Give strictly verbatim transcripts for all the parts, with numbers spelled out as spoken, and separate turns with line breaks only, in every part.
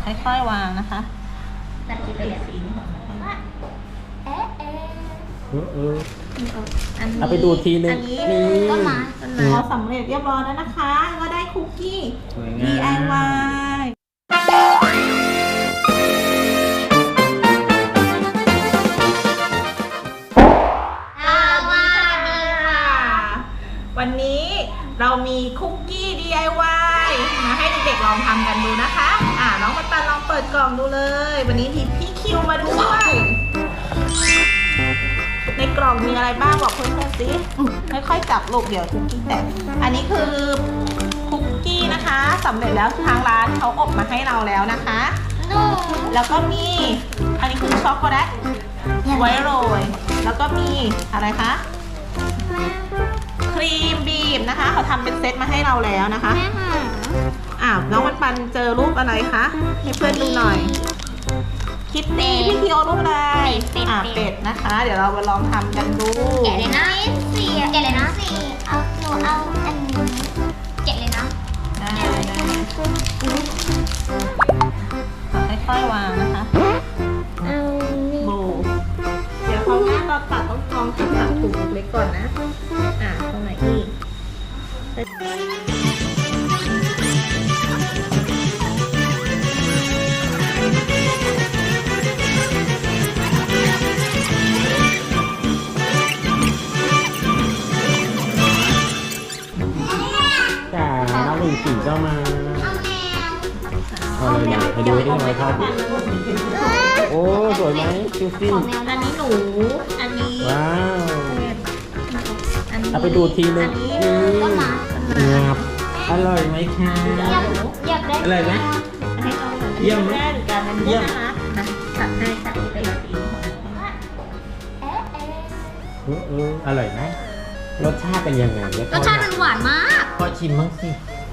ค่อยๆวางนะคะ
ตัดกี่ไปเลยเอ๊ะเอ๊ะ
เออเออ
อันนี้
เอาไปดูทีนึง
อันนี้
นี่
ต้นไม้ต้นไม้
เราสำเร็จเรียบร้อยแล้วนะคะ ก็ได้คุกกี้
สวยงาม
ดี ไอ วาย วันนี้เรามีคุกกี้ ดี ไอ วาย มาให้เด็กๆลองทำกันดูนะคะ อ่าน้องปันปันลองเปิดกล่องดูเลย วันนี้มีพี่คิวมาด้วย ในกล่องมีอะไรบ้างบอกเพื่อนๆสิค่อยๆจับลูกเดี๋ยวคุกกี้แตกอันนี้คือคุกกี้นะคะสำเร็จแล้วทางร้านเขาอบมาให้เราแล้วนะคะ
หนู
แล้วก็มี อันนี้คือช็อกโกแลตไว้โรย แล้วก็มีอะไรคะ ครีมบีบนะคะ เขาทำเป็นเซตมาให้เราแล้วนะคะ
แม่หา
อ้าวน้องมันปันเจอรูปอะไรคะให้เพื่อนดูหน่อย คิตตี้พี่คิวเอารูปอะไรอ่าเป็ดนะคะ เดี๋ยวเรามาลองทำกันดู
แกะเลยนะสี่แกะเลยนะสี่เอาหนูเอาอันนี้แกะเลยนะ
ได้ได้ค่อยๆวางนะคะ
เอานี่
โบเดี๋ยวเขาหน้าเราตัดต้องลองตัดตัดถุงเล็กก่อนนะ อ่าตรงไหนอีก
จ้าน้องหลิงสี่ก็มา
เอาแมว
เอาเลยนะไปดูที่ทำไมครับโอ้สวยไหมดูสิ
ของแมว
อันนี้หนู อันนี้
ว้าว
อันนี้
เอาไปดูทีนึง
อันนี้
นี่
ต้นไม้
งับอร่อยไหมคะ
อยากอยากได้
อร่อยไหม
ให้น้องหนู
เยี่ยมไหม
แม่หรือกันอันนี้
เยี่ยม
นะคะนะตัดให้ตัดให้เป็นสี
เอ๊ะเอ๊ะ
เออเอออร่อยไหมรสชาติเป็นยังไงเนี่ย
รสชาติมันหวานมาก
พอชิมบ้างสิ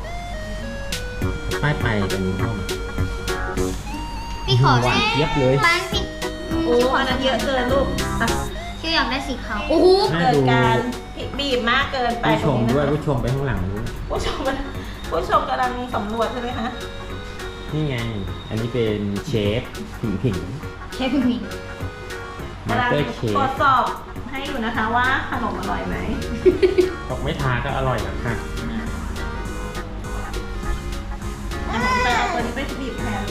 ไปไปกันห้อง
พี่ขอ
หวาน
แม่
เยียบเลย
ร้านสิ
โอ้อันนั้นเยอะเกินลูกอ่ะ
ชื่ออยากได้สีขาวโอ้โห
น่า
เกิน
ดู
การบีบมากเกินไป
ผู้ชม
ตรงนี้
ด้วย
นะคะ
ผู้ชมไปข้างหลังนู้น
ผู้ชมผู้ชมกำลังสำรวจใช่ไหมคะ
นี่ไง อันนี้เป็นเชฟผิงผิง
เชฟผิง
มาส
กำลัง
เตอร์เช
ตรว
ฟ
จสอบให้อยู่นะคะว่าขนมอร่อยไหม
บอกไม่ทาก็อร่อยนะค่ะ
ไปเอาตัวนี้ไปบีบแทน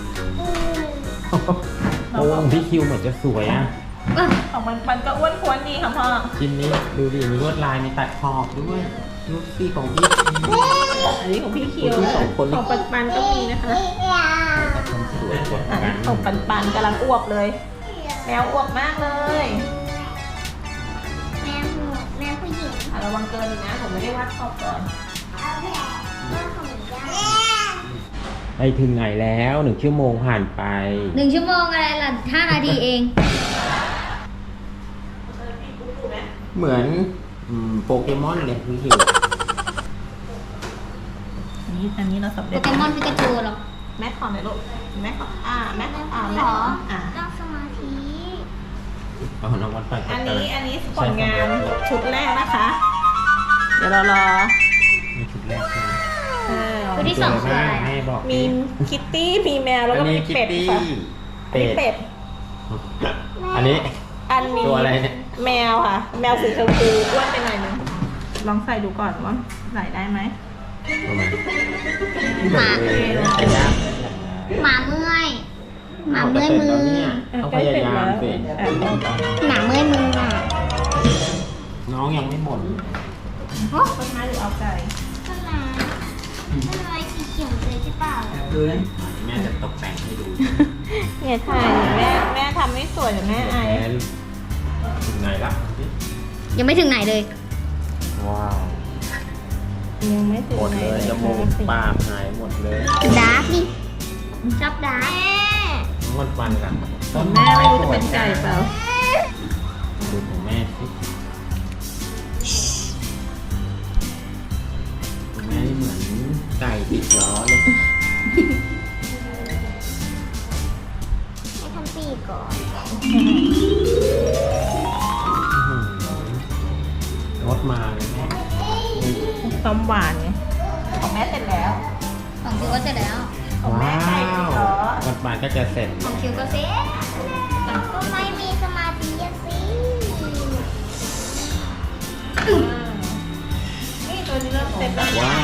โอ้ของพี่คิวเหมือนจะสวยอ่ะ
เออ
ของมันมันก็อ้วนท้วนดีค่ะพ่อ
ชิ้นนี้ดูดิมีลวดลายมีตัดขอบด้วยลูกซี่ของพี่คิว
อันนี้ของพี่คิว
ของพี่สองคน
ของปันปันก็มีนะคะ
ทำสวยกว่า
อัน
กั
นี้
น
ของปันปันกำลังอ้วกเลย แมวอ้วกมากเลย
แม่ผู้แม่ผู้หญิง
อ่ะระวังเกินอีกนะผมไม่ได้วัดขอบก่อน
เอาแผลแม่ของย่า
ไปถึงไหนแล้วหนึ่งชั่วโมงผ่านไป
หนึ่งชั่วโมงอะไรล่ะห้านาทีเอง
เหมือนอืมโปเกมอนเลยพี่คิว
อันนี้อันนี้เราสำ
โป
เร็จ
เกมอนพิกาจูเหรอ
แม่ขอหน่อยลูกแม่ขออ่าแม่ขออ่า
ข
แม่
อ
ขออ่า
นั่งสมาธิ
เอาน้องวันไป
อันนี้อันนี้ผลงานชุดแรกนะคะ เดี๋ยวเรารอ
มีชุดแรกใช่ไหม
เออ
ชุดที่สองคืออะไร
แม่บอก
มีคิตตี้มีแมวแล้ว
อั
ก็
น
มี
นี้คิต
เป็ด
ตี้
ค่ะ
เป็ด
เป็ด
อันนี้
อันนี้
ตัวอะไรเนี่ย
แมวค่ะ แมวสีชมพูอ้วนไปหน่อยนึงลองใส่ดูก่อนว่าใส่ได้ไหม
ประมาณ
หมา
ขยับ
หมาเมื่อยหมาเมื่อยมือ
ต้องพยายามสิ
อ่ะ
หมาเมื่อยมืออ่ะ
น้องยังไม่หมด
โอ้
ต้นไม้หรือเอาไก่
ต้นไม้ต้นไม้สีเขียวเลยใช่เปล่า
พื้นแม่จะตกแต่งให้ดู
เนี่ยถ่ายแม่แม่ทำไม่สวยเดี๋ยวแม่อาย
แอนถึงไหนละ
ยังไม่ถึงไหนเลย
ว้าว
ยังไม่ถึง
หมด
ไหน
เลยจมูกปากหายหมดเลย
ดาร์กดิชอบดาร์ก
งดฟันกัน
แม่ไม่รู้จะเป็นไก่เปล่า
ดูของแม่สิของแม่นี่เหมือนไก่ติดล้อเลย
ให้ทำปีกก่อน
งดมาเลยแม่
ความหวานไงของแม่เสร็จแล้ว
ของพี่ก็เสร็จแล้ว
ของแม่ไก่ติดล้อ
านก็จะเสร็จ
ของคิวก็เซ็ตก็ไม่มีสมาธิอะสิ
นี่ตัวนี้เริ่มเสร็จแล้ว
ว้าว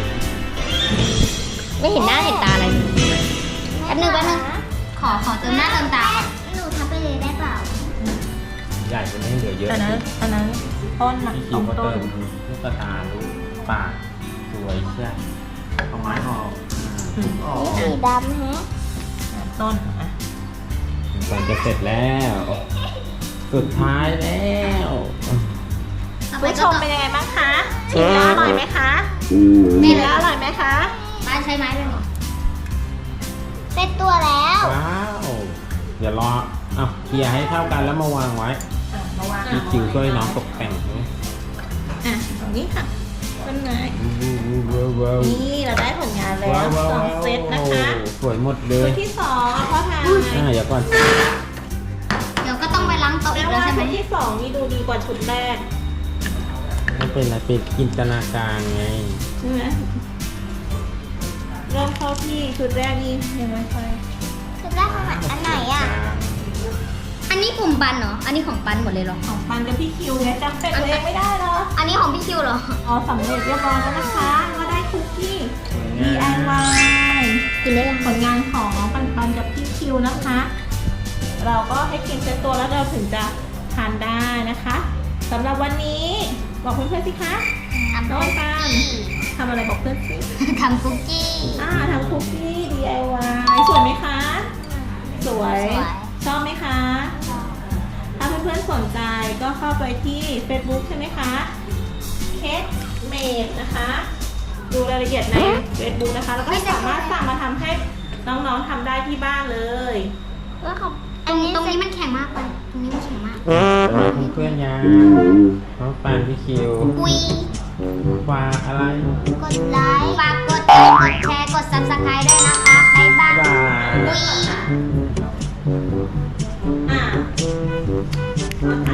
ไม่เห็นหน้าเห็นตาอะไรแป๊บนึงแป๊บนึงขอขอเติมหน้าเติมตาหนูทำไปเลยได้เปล่า
ใหญ่กว่านี้เหลือเยอะ
อันนั้นอันนั้นต้นน่ะ
พี่
ต
คิ
ร
ว
ง
ก็
ต้
เติ
น
มลูกกระตาลูกปากสวยใช่เอาไม้ออกอ่าออก
สีดำฮะ
อ่ะต้นอ่ะ
ก่อนจะเสร็จแล้ว สุดท้ายแล้ว
ผู้ชมเป็นยังไงบ้างคะชิมแล้วอร่อยไหมคะชิมแล้วอร่อยไหมคะ
บ้านใช้ไม้เลยเหรอเสร็จตัวแล้ว
ว้าว เดี๋ยวรอเอาเคลียร์ให้เท่ากันแล้วมาวางไว้
อ่ะมาวาง
พี่คิวช่วยน้องตกแต่งด้วย
อ่ะตรงนี้ค่ะต้นไม้
ว้าวว้าว
นี่เราได้ผลงานแล้ว
ว้าวว้าว
สองเซตนะคะ
สวยหมดเล
ชุ
ย
ดที่สองเอาพ่อทาน
อ่าเดี๋ยวก่อน
เดี๋ยวก็ต้องไปล้างโต๊ะ
แปล
อีกแล้ว
ว่า
ใช่ไหม
ชุดที่สองนี่ดูดีกว่าชุดแรก
ไม่เป็นไรเป็นจินตนาการไง
ใช่ไหมเริ่มเข้าที่ชุดแรกนี่ยังไม่ค่อย
คือแรกอันไหนอ่ะ อันนี้กลุ่มปันเหรอ อันนี้ของปันหมดเลยเหรอ
ของปันกับพี่คิวไงจำเป็นตัวเองไม่ได้เหรอ
อันนี้ของพี่คิวเหรอ
อ๋อสำเร็จเรียบร้อยแล้วนะคะก็ได้คุกกี้ ดี ไอ วาย
กินได้ยัง
ผลงานของน้องปันปันกับพี่คิวนะคะ เราก็ให้กินเซตตัวแล้วเราถึงจะทานได้นะคะสำหรับวันนี้บอกเพื่อนๆสิคะ
ทำ
น้องปันปันทำอะไรบอกเพื่อนสิ
ทำคุกกี้
อ่าทำคุกกี้ ดี ไอ วาย สวยไหมคะ สวย
สวย
ชอบไหมคะ ถ้าเพื่อนๆสนใจก็เข้าไปที่ Facebook ใช่ไหมคะเค้กเมดนะคะ ดูรายละเอียดใน Facebook นะคะ แล้วก็สามารถสั่งมาทำให้น้องๆทำได้ที่บ้านเลย
ว่าของตรงตรงนี้มันแข็งมากเลยตรงนี้มันแข็งมาก
เพื่อนๆยังน้องปานพี่คิว
คุย
ฝากอะไร
กดไลค์ ฝากกดไลค์กดแชร์ กด ซับสไครบ์ด้วยนะคะบ๊ายบาย
บ๊ายบาย
คุย
อ่าขอท